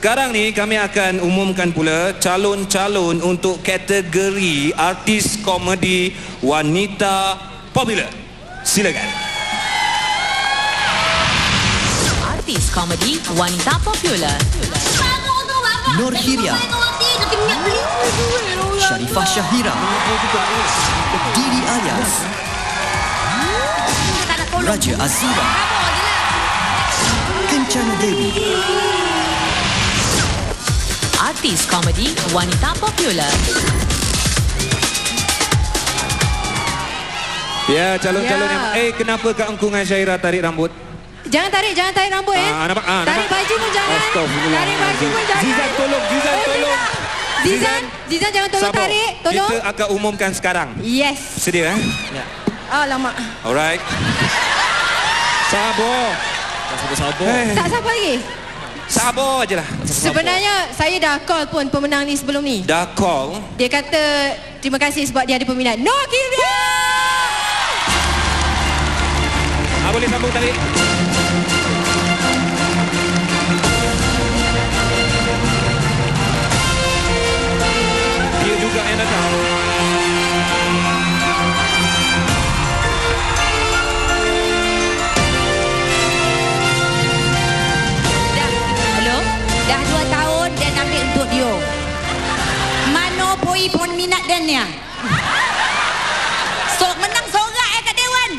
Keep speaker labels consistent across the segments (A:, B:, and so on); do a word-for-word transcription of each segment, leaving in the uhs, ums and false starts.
A: Sekarang ni kami akan umumkan pula calon-calon untuk kategori artis komedi wanita popular. Silakan.
B: Artis komedi wanita popular.
C: Nur Hiria, Sharifah Shahira, Didi Ayas, Raja Azira, Kencana Dewi.
B: Artis komedi wanita popular.
A: Ya, calon-calon
D: Ya.
A: yang... Eh, kenapa Kak Engku dengan Syairah tarik rambut?
D: Jangan tarik, jangan tarik rambut eh.
A: Ah, nampak? Ah,
D: tarik
A: nampak?
D: baju pun jangan.
A: Astagfirullah.
D: Tarik baju pun jangan.
A: Zizan, tolong. Zizan,
D: Oh,
A: tolong.
D: Zizan, Zizan jangan tolong
A: Sabar.
D: tarik. Tolong.
A: Kita akan umumkan sekarang.
D: Yes.
A: Sedia, eh? Ya.
D: Alamak.
A: Alright. Sabar.
C: Sabar.
A: Eh,
D: Tak sabar lagi.
A: sabar je lah.
D: Sebenarnya saya dah call pun pemenang ni sebelum ni.
A: Dah call.
D: Dia kata terima kasih sebab dia ada peminat. No Hiria.
A: Ah, boleh sambung tadi. Dia juga yang datang.
E: Dah, hello? Dah dua tahun dan ambil untuk dia. Mana poi peminat dan ni? So, menang sorak eh kat Dewan.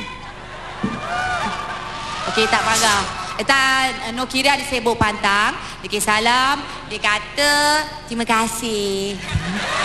E: Okey, tak marah. Tak, Nur Hiria dia sibuk pantang. Dia kata salam. Dia kata terima kasih.